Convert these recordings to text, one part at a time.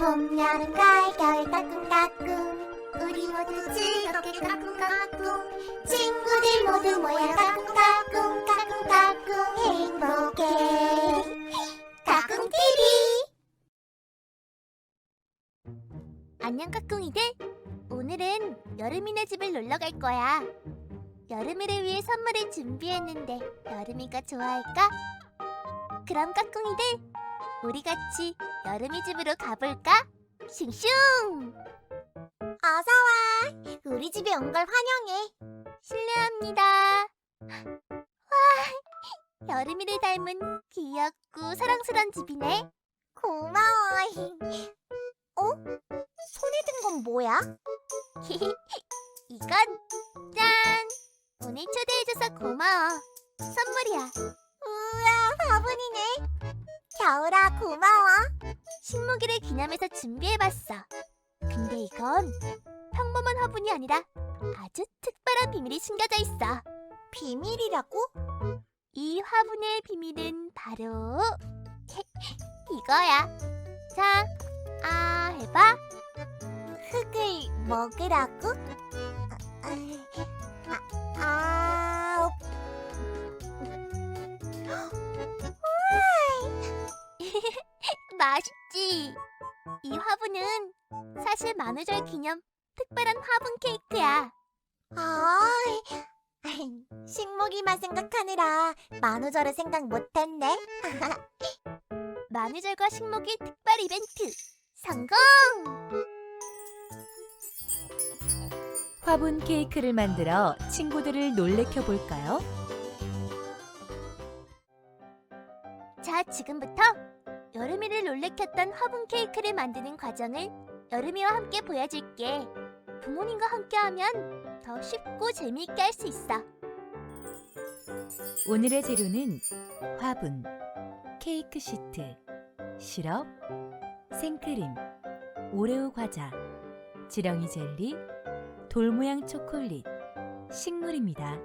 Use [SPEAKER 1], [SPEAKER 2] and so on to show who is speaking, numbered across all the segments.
[SPEAKER 1] 봄, 여름, 가을, 겨울 까꿍까꿍 우리 모두 즐겁게 까꿍까꿍 친구들 모두 모여 까꿍까꿍 까꿍까꿍 행복해 까꿍TV. 안녕 까꿍이들, 오늘은 여름이네 집을 놀러 갈 거야. 여름이를 위해 선물을 준비했는데 여름이가 좋아할까? 그럼 까꿍이들, 우리 같이 여름이 집으로 가볼까? 슝슝! 어서와! 우리 집에 온 걸 환영해. 실례합니다. 와, 여름이를 닮은 귀엽고 사랑스러운 집이네. 고마워. 어? 손에 든 건 뭐야? 이건 짠! 오늘 초대해줘서 고마워. 선물이야. 우와, 화분이네. 겨울아, 고마워. 식목일을 기념해서 준비해봤어. 근데 이건 평범한 화분이 아니라 아주 특별한 비밀이 숨겨져 있어. 비밀이라고? 이 화분의 비밀은 바로 이거야. 자, 해봐. 흙을 먹으라고? 맛있지? 이 화분은 사실 만우절 기념 특별한 화분 케이크야. 식목일만 생각하느라 만우절을 생각 못했네. 만우절과 식목일 특별 이벤트 성공!
[SPEAKER 2] 화분 케이크를 만들어 친구들을 놀래켜 볼까요?
[SPEAKER 1] 자, 지금부터 여름이를 놀래켰던 화분 케이크를 만드는 과정을 여름이와 함께 보여줄게. 부모님과 함께하면 더 쉽고 재미있게 할 수 있어.
[SPEAKER 2] 오늘의 재료는 화분, 케이크 시트, 시럽, 생크림, 오레오 과자, 지렁이 젤리, 돌 모양 초콜릿, 식물입니다.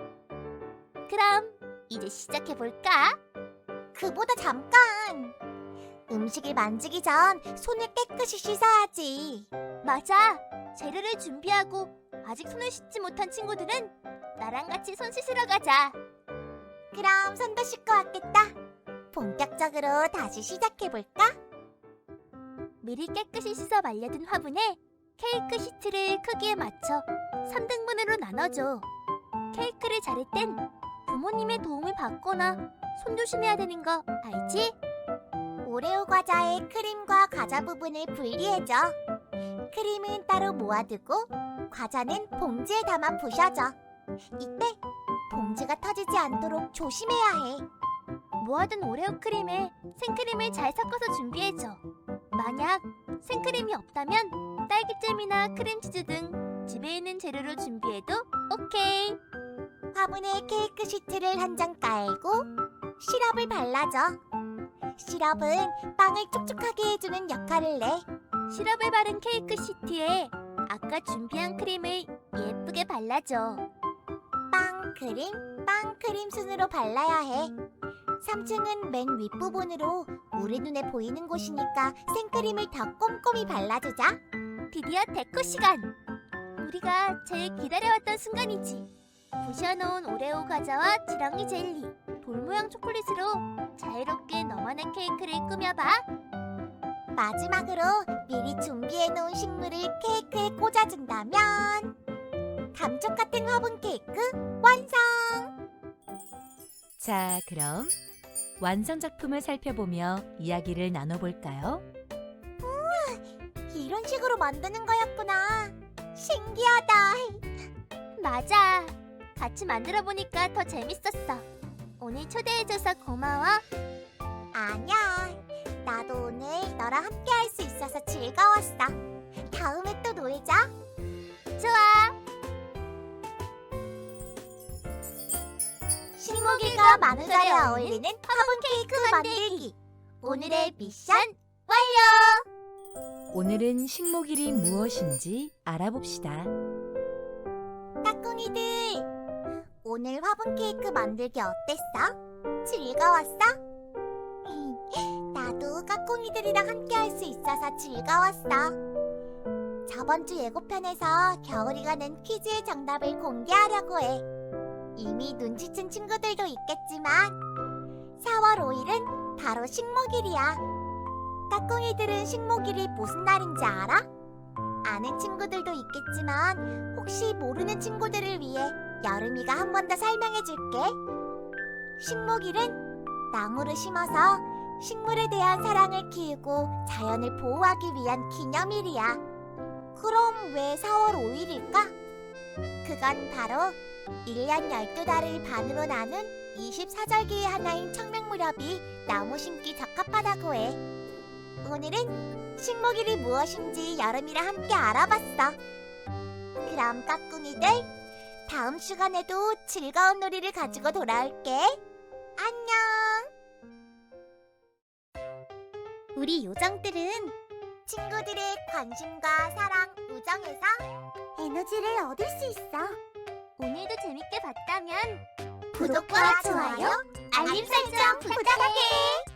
[SPEAKER 1] 그럼 이제 시작해볼까? 그보다 잠깐! 음식을 만지기 전 손을 깨끗이 씻어야지. 맞아! 재료를 준비하고 아직 손을 씻지 못한 친구들은 나랑 같이 손 씻으러 가자. 그럼 손도 씻고 왔겠다. 본격적으로 다시 시작해볼까? 미리 깨끗이 씻어 말려둔 화분에 케이크 시트를 크기에 맞춰 3등분으로 나눠줘. 케이크를 자를 땐 부모님의 도움을 받거나 손 조심해야 되는 거 알지? 오레오 과자의 크림과 과자 부분을 분리해줘. 크림은 따로 모아두고 과자는 봉지에 담아 부셔줘. 이때 봉지가 터지지 않도록 조심해야 해. 모아둔 오레오 크림에 생크림을 잘 섞어서 준비해줘. 만약 생크림이 없다면 딸기잼이나 크림치즈 등 집에 있는 재료로 준비해도 오케이. 화분에 케이크 시트를 한 장 깔고 시럽을 발라줘. 시럽은 빵을 촉촉하게 해주는 역할을 내. 시럽을 바른 케이크 시트에 아까 준비한 크림을 예쁘게 발라줘. 빵 크림 순으로 발라야 해. 3층은 맨 윗부분으로 우리 눈에 보이는 곳이니까 생크림을 더 꼼꼼히 발라주자. 드디어 데코 시간! 우리가 제일 기다려왔던 순간이지. 부셔놓은 오레오 과자와 지렁이 젤리, 돌 모양 초콜릿으로 자유롭게 너만의 케이크를 꾸며봐. 마지막으로 미리 준비해놓은 식물을 케이크에 꽂아준다면 감쪽 같은 화분 케이크 완성!
[SPEAKER 2] 자, 그럼 완성 작품을 살펴보며 이야기를 나눠볼까요?
[SPEAKER 1] 이런 식으로 만드는 거였구나. 신기하다. 맞아. 같이 만들어 보니까 더 재밌었어. 오늘 초대해줘서 고마워. 아니야. 나도 오늘 너랑 함께 할 수 있어서 즐거웠어. 다음에 또 놀자. 좋아. 식목일과 만우절에 어울리는 화분 케이크 만들기. 오늘의 미션 완료!
[SPEAKER 2] 오늘은 식목일이 무엇인지 알아봅시다.
[SPEAKER 1] 까꿍이들, 오늘 화분 케이크 만들기 어땠어? 즐거웠어? 나도 까꿍이들이랑 함께 할 수 있어서 즐거웠어. 저번 주 예고편에서 겨울이가 낸 퀴즈의 정답을 공개하려고 해. 이미 눈치챈 친구들도 있겠지만 4월 5일은 바로 식목일이야. 까꿍이들은 식목일이 무슨 날인지 알아? 아는 친구들도 있겠지만 혹시 모르는 친구들을 위해 여름이가 한 번 더 설명해 줄게. 식목일은 나무를 심어서 식물에 대한 사랑을 키우고 자연을 보호하기 위한 기념일이야. 그럼 왜 4월 5일일까? 그건 바로 1년 12달을 반으로 나눈 24절기의 하나인 청명무렵이 나무 심기 적합하다고 해. 오늘은 식목일이 무엇인지 여름이랑 함께 알아봤어. 그럼 까꿍이들, 다음 시간에도 즐거운 놀이를 가지고 돌아올게. 안녕. 우리 요정들은 친구들의 관심과 사랑, 우정에서 에너지를 얻을 수 있어. 오늘도 재밌게 봤다면 구독과 좋아요, 알림 설정 부탁해.